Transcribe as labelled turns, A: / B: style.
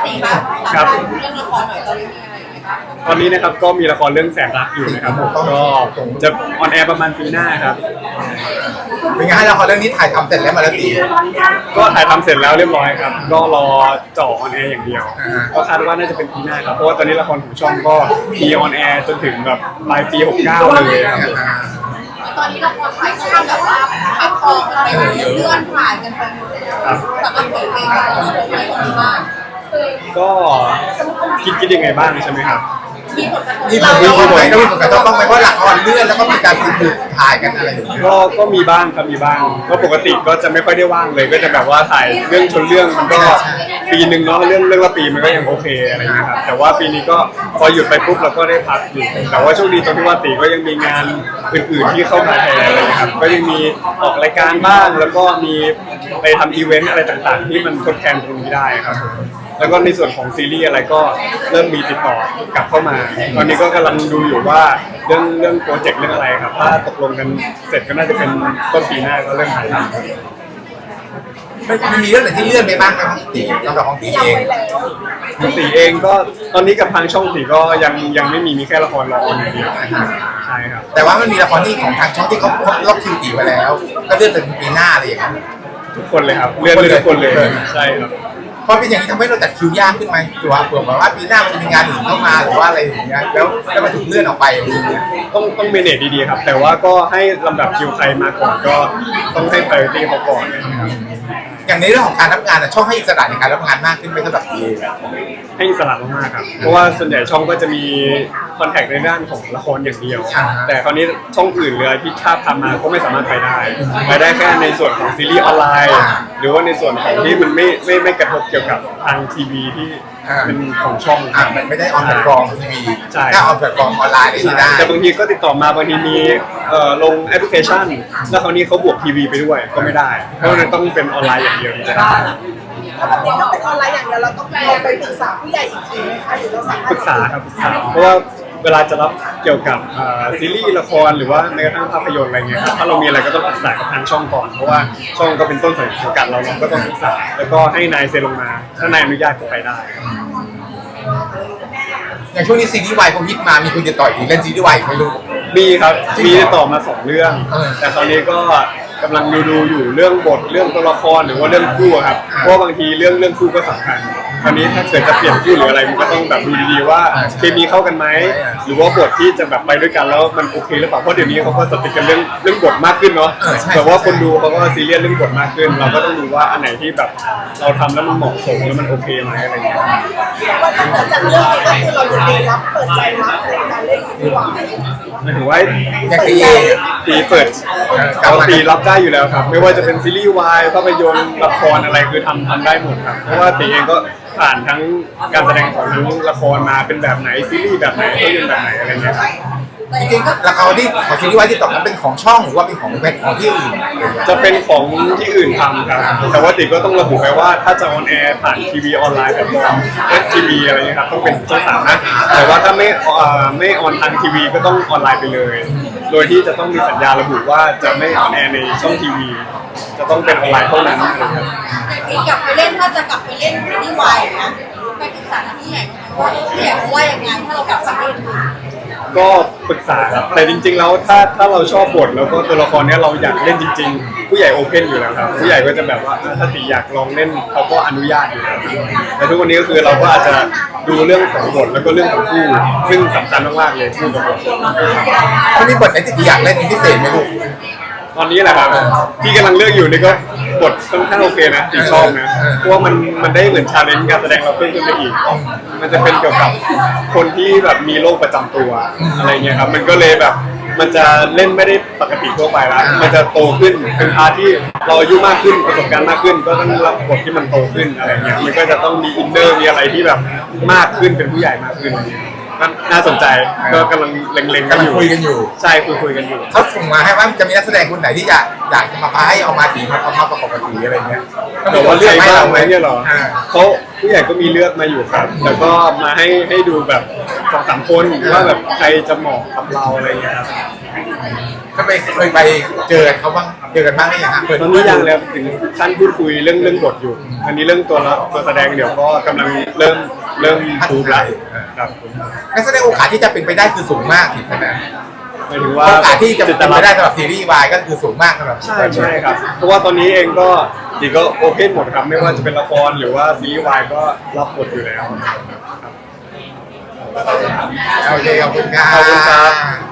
A: ตีบ้าง
B: ครับ
A: เรื่องละครหน่อยตอนนี้มีอะไรไหมครับ
B: ตอนนี้นะครับก็มีละครเรื่องแสนรักอยู่นะครับผมก็จะออนแอร์ประมาณปีหน้าครับ
C: เป็นไงให้ละครเรื่องนี้ถ่ายทำเสร็จแล้วมาแล้วตี
B: ก็ถ่ายทำเสร็จแล้วเรียบร้อยครับก็รอจ่อออนแอร์อย่างเดียวก็คาดว่าน่าจะเป็นปีหน้าครับเพราะว่าตอนนี้ละครของช่องก็มีออนแอร์จนถึงแบบปลายปี69เลยครับ
A: ตอนนี้ละครถ่ายช่วงแบบว่าแพลตฟอร์มอะไรเลื่อนผ่านกันไปหมดเลยสำหรับผลเพลงเราชมอะไรกันบ้าง
B: ก็คิดยังไงบ้างใช่ไหมครับ
A: มีผลกระทบ
C: มีผลไหมมีผลกระทบบ้างไหมเพราะละครเลื่อนแล้วก็มีการฝึกถ่ายกันอะไรอย่างเงี้ย
B: ก็มีบ้างครับมีบ้างก็ปกติก็จะไม่ค่อยได้ว่างเลยก็จะแบบว่าถ่ายเรื่องชนเรื่องมันก็ปีหนึ่งเนาะเรื่องละปีมันก็ยังโอเคอะไรอย่างเงี้ยครับแต่ว่าปีนี้ก็พอหยุดไปปุ๊บเราก็ได้พักอยู่แต่ว่าโชคดีตรงที่ว่าตีก็ยังมีงานอื่นๆที่เข้ามาแทนอะไรอย่างเงี้ยครับก็ยังมีออกรายการบ้างแล้วก็มีไปทำอีเวนต์อะไรต่างๆที่มันทดแทนตรงนี้ได้ครับแล้วก็ในส่วนของซีรีส์อะไรก็เริ่มมีติดต่อกลับเข้ามาตอนนี้ก็กำลังดูอยู่ว่าเรื่องโปรเจกต์เรื่องอะไรครับถ้าตกลงกันเสร็จก็น่าจะเป็นต้นปีหน้าก็เริ่มถ่ายทำ
C: มันมีเรื่องไหนที่เลื่อนไปบ้างครับตีสำหรับของตีเอง
B: ตีเองก็ตอนนี้กับทางช่องตีก็ยังไม่มีแค่ละครรอออนอย่างเดียวใช่ครับ
C: แต่ว่ามันมีละครที่ของทางช่องที่เขาล็อกคิวตีไว้แล้วก็เลื่อนเป็นปีหน้าอะไรอย่างเงี้ย
B: ทุกคนเลยครับเลื่อนเลยทุกคนเลยใช่ครับ
C: พอเป็นอย่างนี้ทำให้เราจัดคิวยากขึ้นไหมหรือว่าเผื่อว่าปีหน้ามันจะมีงานอื่นเข้ามาหรือว่าอะไรอย่างเงี้ยแล้วมันถูกเลื่อนออกไปอะไรอย่างเงี้ย
B: ต้องเมเนจดีๆครับแต่ว่าก็ให้ลำดับคิวใครมาก่อนก็ต้องให้ priority เขาก่อนนะครับ
C: อย่างในเรื่องของการรับงานช่องให้อิสระในการรับงานมากขึ้นไหมสำหรับที
B: ให้อิสระมากๆครับเพราะว่าส่วนใหญ่ช่องก็จะมีคอนแทคในด้านของละครอย่างเดียวแต่คราวนี้ช่องอื่นเลยที่ถ้าทำมาก็ไม่สามารถไปได้แค่ในส่วนของซีรีส์ออนไลน์หรือว่าในส่วนของที่มันไม่กระทบเกี่ยวกับทางทีวีที่เป็นของช่อง
C: มันไม่ได้ออนแพลตฟอร์มทีวีถ้าออนแพลตฟอร์มออนไลน์ได้
B: แต่บางทีก็ติดต่อมาบางทีมีลงแอปพลิเคชันแล้วคราวนี้เขาบวกทีวีไปด้วยก็ไม่ได้เพราะมันต้องเป็นออนไลน์อย่างเดียว
A: ถ้าแบบนี้ต้องเป็นออนไลน์อย่างเดียวเราต้องไปปรึกษาผู้ใหญ่อีกทีไหมคะหรือเราสามารถ
B: ปรึกษาครับปรึกษาเพราะว่าเวลาจะรับเกี่ยวกับซีรีส์ละครหรือว่าแม้กระทั่งภาพยนตร์อะไรเงี้ยครับถ้าเรามีอะไรก็ต้องปรึกษากับทางช่องก่อนเพราะว่าช่องก็เป็นต้นสังกัดเราก็ต้องปรึกษาแล้วก็ให้นายเซ็นลงมาถ้านายอนุญาตก็ไปได้
C: อย่างช่วงนี้ซีรีส์วายคงฮิตมามีคนจะต่อยถึงเล่นซีรีส์วายไม่รู้
B: มีครับมีต่อมา2เรื่องแต่ตอนนี้ก็กำลังดูอยู่เรื่องบทเรื่องตัวละครหรือว่าเรื่องคู่ครับเพราะบางทีเรื่องคู่ก็สำคัญตอนนี้ถ้าเกิดจะเปลี่ยนคู่หรืออะไรมันก็ต้องแบบดูดีๆว่าเคมีเข้ากันไหมหรือว่าบทที่จะแบบไปด้วยกันแล้วมันโอเคหรือเปล่าเพราะเดี๋ยวนี้เขาก็สติกกันเรื่องบทมากขึ้นเนาะแต่ว่าคนดูเขาก็ซีเรียสเรื่องบทมากขึ้นเราก็ต้องดูว่าอันไหนที่แบบเราทำแล้วมันเหมาะสมแล้วมันโอเคไหมอะไรอย่างเงี้ย
A: ว่าถ้าเกิดจากเรื่องนี้ก็คือเราอยู่ดีรับเปิดใจรับในการเล่นซีรีส์วาย
B: หมายถึงว่า
C: อย่าง
B: ตีเปิดตีรับได้อยู่แล้วครับไม่ว่าจะเป็นซีรีส์วายภาพยนตร์ละครอะไรคือทำได้หมดครับเพราะว่าตีเองก็ผ่านทั้งการแสดงของทั้งละครมาเป็นแบบไหนซีรีส์แบบไหนภาพยนตร์แบบไหนอะไรเงี้ย
C: จริงๆละครที่ของซีรีส์วายที่ตกนั้นเป็นของช่องหรือว่าเป็นของที่อื่น
B: จะเป็นของที่อื่นทำครับแต่ว่าติก็ต้องระบุไปว่าถ้าจะออนแอร์ผ่านทีวีออนไลน์แบบFTV อะไรเงี้ยครับต้องเป็นช่อง3นะแต่ว่าถ้าไม่ออนทางทีวีก็ต้องออนไลน์ไปเลยโดยที่จะต้องมีสัญญาระบุว่าจะไม่ออนแอร์ในช่องทีวีจะต้องเป็นออนไลน์เท่านั้นนะครับ
A: กลับไปเล่นถ้าจะกลับไปเล่นซีรีส์วายนะไปปรึกษาที่ใหญ่ว่าที่ใหญ่ว่าอย่างไรถ้าเรากลับไปเล่น
B: ก็ปรึกษาครับแต่จริงๆแล้วถ้าเราชอบบทแล้วก็ตัวละครนี้เราอยากเล่นจริงๆผู้ใหญ่โอเพนอยู่แล้วครับผู้ใหญ่ก็จะแบบว่าถ้าตีอยากลองเล่นเขาก็อนุญาตอยู่แล้วแต่ทุกวันนี้ก็คือเราก็อาจจะดูเรื่องของบทแล้วก็เรื่องของคู่ซึ่งสำคัญมากๆเลยคู่กับบท
C: วันนี้บทไหนที่ตีอยากเล่นเป็นพิเศษไหมลูก
B: ตอนนี้แหละครับที่กำลังเลือกอยู่นี่ก็บทค่อนข้างโอเคนะตีชอบนะเพราะว่ามันได้เหมือนชาเลนจ์การแสดงเราเพิ่มขึ้นไปอีกมันจะเป็นเกี่ยวกับคนที่แบบมีโรคประจำตัวอะไรเงี้ยครับมันก็เลยแบบมันจะเล่นไม่ได้ปกติทั่วไปแล้วมันจะโตขึ้นเป็นพาร์ทที่เราอายุมากขึ้นประสบการณ์มากขึ้นก็ต้องรับบทที่มันโตขึ้นอะไรเงี้ยมันก็จะต้องมีอินเนอร์มีอะไรที่แบบมากขึ้นเป็นผู้ใหญ่มากขึ้นน่าสนใจก็กำลังเล็งๆกันอยู่
C: คุยกันอยู่
B: ใช่คุยกันอยู่
C: เขาส่งมาให้ว่าจะมีนักแสดงคนไหนที่อยากจะมาพายเอามาตีมาประกอบตีอะไรเงี้ย
B: แต่ว่าเลือกให้เราไหมเนี่ยหรอเขาผู้ใหญ่ก็มีเลือกมาอยู่ครับแล้วก็มาให้ดูแบบ2-3คนว่าแบบใครจะเหมาะกับเราอะไรเงี้ยครับ
C: ก็เคยไปเจอเขาบ้างเจอกันบ้างไหมยังฮะเปิด
B: ตอนนี้ยังเลยครับถึงขั้นพูดคุยเรื่องบทอยู่อันนี้เรื่องตัวแสดงเดี๋ยวก็กำลังเริ่มทูบแล้วครับ
C: งั้นแสดงโอกาสที่จะเป็นไปได้คือสูงมากถึงขนาด
B: หมายถึงว่า
C: โอกาสที่จะเป็นไปได้สำหรับซีรีส์วายก็คือสูงมากสำหรับ
B: ใช่ครับเพราะว่าตอนนี้เองก็จีก็โอเพนหมดครับไม่ว่าจะเป็นละครหรือว่าซีรีส์วายก็รับบทอยู่แล้ว
C: โอเคขอบคุณครับ
B: ขอบคุณครับ